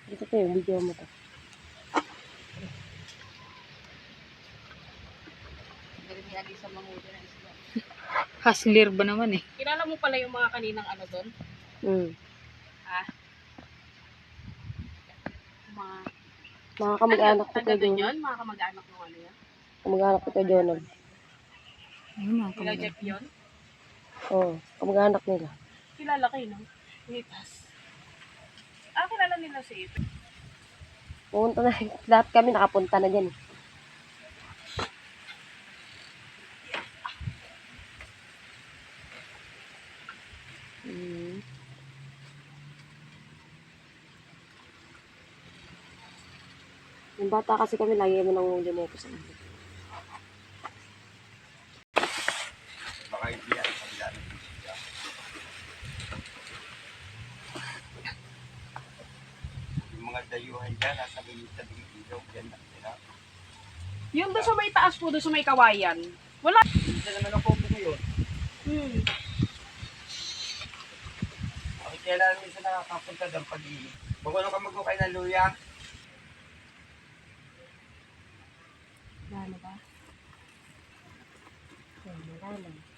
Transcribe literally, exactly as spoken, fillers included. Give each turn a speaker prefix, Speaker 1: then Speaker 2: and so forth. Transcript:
Speaker 1: Dito to yung video mo to.
Speaker 2: Hustler ba naman eh?
Speaker 3: Kilala mo pala yung mga kaninang ano doon?
Speaker 1: Hmm.
Speaker 3: Ha? Mga...
Speaker 1: Mga kamag-anak ko
Speaker 3: taga
Speaker 1: kay
Speaker 3: doon
Speaker 1: Jonah.
Speaker 3: yun? Mga kamag-anak mo ano yan?
Speaker 1: Kamag-anak ko kay Jonah.
Speaker 2: Ayun mga
Speaker 3: Kila
Speaker 2: kamag-anak.
Speaker 3: Jeff yun?
Speaker 1: Oo, oh, kamag-anak nila.
Speaker 3: Kilala kayo, no? Nitas. Ah, kilala nila si Ipe.
Speaker 1: Pumunta na, lahat kami nakapunta na dyan. Hmm. Yung bata kasi kami, lagi kami nangulo nito sa amin.
Speaker 4: Baka hindi yan, kabila ng bisita. Yung mga dayuhan dyan, nasa minita ng ilaw, dyan lang sila.
Speaker 3: Yung doon sa may taas po, doon sa may kawayan. Wala.
Speaker 4: Minsan naman ako po ngayon.
Speaker 3: Hmm.
Speaker 4: Bakit kailan minsan nakakapunta doon pag-iinit? Bago ka mag-ukay ng luya,
Speaker 1: Wala na ba? Wala na.